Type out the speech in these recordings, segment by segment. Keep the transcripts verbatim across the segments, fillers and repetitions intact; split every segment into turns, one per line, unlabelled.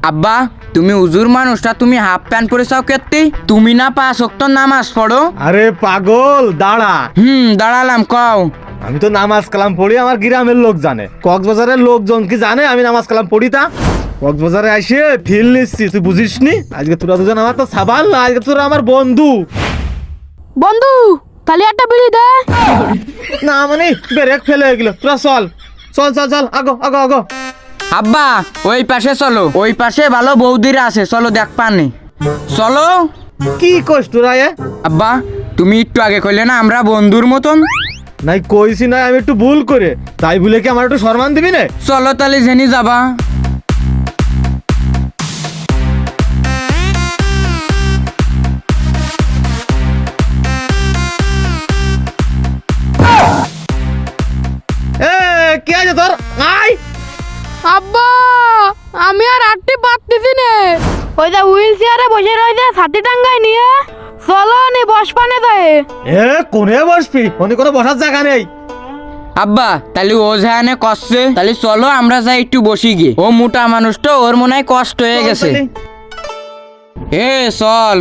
আব্বা তুমি উজুর মানুষটা তুমি হাফ প্যান্ট পরে চাও কেতে তুমি না পাঁচ ওয়াক্ত নামাজ পড়ো?
আরে পাগল দাঁড়া।
হুম দাঁড়ালাম কও।
আমি তো নামাজ কালাম পড়ি, আমার গ্রামের লোক জানে, কক্সবাজারের লোকজন কি জানে আমি নামাজ কালাম পড়ি? তা কক্সবাজারে আসে ফিল নিচ্ছি, তুই বুঝিস নি? আজকে তোরা দুজন আমার তো সাবাল না, আজকে তোরা আমার বন্ধু।
বন্ধু তাহলে একটা বিড়ি দে।
না মানে ব্রেক ফেলে গেল, তোরা চল চল চল চল আগো আগো আগো।
আব্বা ওই পাশে চলো, ওই পাশে ভালো বৌদিরা আছে, চলো দেখ পানি চলো।
কি কইস তোরা? এ
আব্বা তুমি একটু আগে কইলে না আমরা বন্ধুর মতন।
নাই কইছি না, আমি একটু ভুল করে, তাই বলে কি আমার একটু সম্মান দিবি না?
চলো তাহলে জেনি যাবা।
এ কি আছে তোর? আই
আব্বা আমি আর আটটি পারতেছি না। ওই যে হুইল চেয়ারে বসে রয়েছে ছাতি টাঙ্গাই নিয়ে, চলো নি বস পানে যায়।
এ কোনে বসবি? ওনে কোনো বসার জায়গা নেই।
আব্বা তাহলে ও যানে কষ্টে, তাহলে চলো আমরা যাই একটু বসি গিয়ে। ও মোটা মানুষ তো, ওর মনে হয় কষ্ট হয়ে গেছে। এ চল।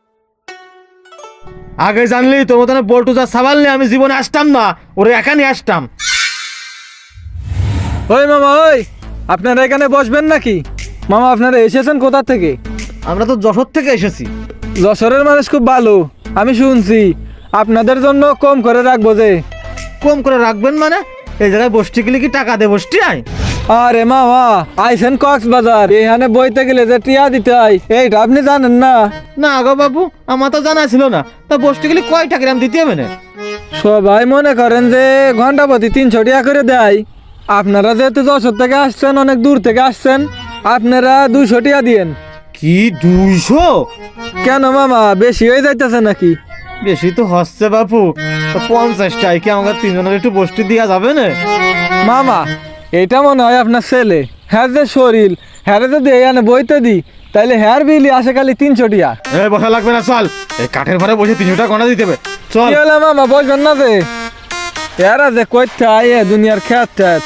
আগে জানলি তোর মতন বল্টু যা সাবাল নিয়ে আমি জীবনে আসতাম না, ওরে একা নিয়ে আসতাম।
ওই মামা, ওই আপনারা এখানে বসবেন নাকি? মামা আপনারা এসেছেন কোথা থেকে?
আমরা তো যশোর থেকে এসেছি।
যশোরের মানুষ খুব ভালো, আমি শুনছি। আপনাদের জন্য কম করে রাখবো যে।
কম করে রাখবেন মানে? এই জায়গায় বসতে গেলে কি টাকা দে বসতে আয়?
আরে মামা আইসেন কক্সবাজার, এখানে বইতে গেলে যে টিয়া দিতে হয় এইটা আপনি জানেন না?
না গো বাবু, আমার তো জানা ছিল না। তা বসতে গেলে কয় টাকা দাম দিতে হবে না?
সবাই মনে করেন যে ঘন্টা প্রতি তিনশো টাকা করে দেয়। আপনারা যেহেতু যশোর থেকে আসছেন, অনেক দূর থেকে আসছেন, আপনারা দুইশো টাকা দিয়েন।
কি দুইশো?
কেন মামা বেশি হয়ে যাইতেছে নাকি?
বেশি তো হচ্ছে বাপু। তো পঞ্চাশ টাকা কি আমাকে তিনজনের একটু বসতে দেওয়া যাবে না?
মামা এটা মনে হয় আপনার ছেলে, হ্যাঁ যে শরীর, হ্যাঁ যদি এখানে বইতে দিই তাহলে হ্যার বিলি আসে খালি তিনশো টিয়া।
এ বসা লাগবে না, চল। এই কাঠের ঘরে বসে তিনশো টাকা গণা দিতে হবে, চল।
কি হলো মামা বসবেন না যে? এরা যে কইতে আয়ে দুনিয়ার খ্যাত খ্যাত।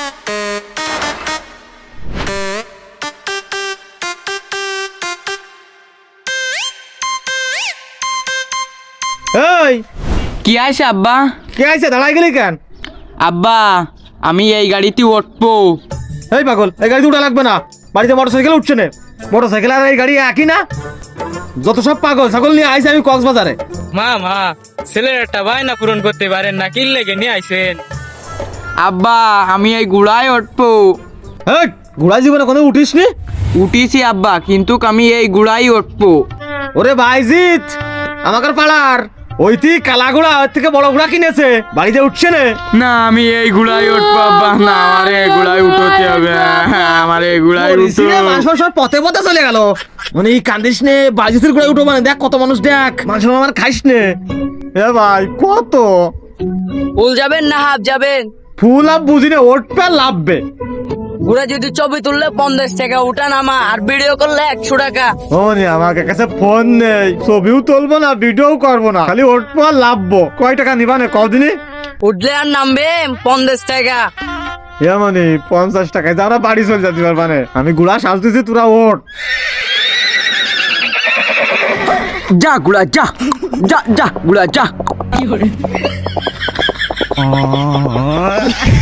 এই
কি আইছে আব্বা?
কে আইছে? দাঁড়াই গেলি কেন?
আব্বা আমি এই গাড়িতে উঠবো।
এই পাগল, এই গাড়িতে উঠা লাগবে না, বাড়িতে মোটর সাইকেল উঠছে না। মোটর সাইকেল আর এই গাড়ি একই না? যত সব পাগল ছাগল নিয়ে আইছে আমি কক্সবাজারে।
মা মা ছেলের একটা বায়না পূরণ করতে পারেন না, কি লেগে নিয়ে আইছেন?
আব্বা আমি এই গুড়ায় উঠবো।
এই ঘোড়া জীবনে কোনো উঠিস নি?
উঠিছি আব্বা, কিন্তু আমি এই গুড়াই উঠবো।
ওরে ভাইজিৎ, আমাকে পাড়ার ওইটি কালা ঘোড়া ওর থেকে বড় ঘোড়া কিনেছে, বাড়িতে উঠছে না।
না আমি এই গুড়াই উঠবো আব্বা, না আমার এই গুড়াই উঠতে হবে, আমার এই গুড়াই উঠবো।
মানুষ সব পথে পথে চলে গেল। মানে এই কান্দিস নে, বাজিতের ঘোড়ায় উঠো মানে দেখ কত মানুষ, দেখ মানুষ আমার খাইস নে। এ ভাই কত
ফুল যাবেন না হাফ যাবেন?
ফুল আপ বুঝি না, ওঠবে আর লাভবে।
ঘুরে যদি ছবি তুললে পঞ্চাশ টাকা উঠা নামা, আর ভিডিও করলে একশো টাকা।
ও নে, আমার কাছে ফোন নেই, ছবিও তুলবো না, ভিডিও করবো না, খালি ওঠবো আর লাভবো। কয় টাকা নিবা না কদিনই?
উঠলে আর নামবে পঞ্চাশ টাকা।
এ মানে পঞ্চাশ টাকায় যা আমরা বাড়ি চলে যেতে পারবা না। আমি গুড়া সাজতেছি, তোরা ওঠ।
যা গুড়া যা, যা যা গুড়া যা।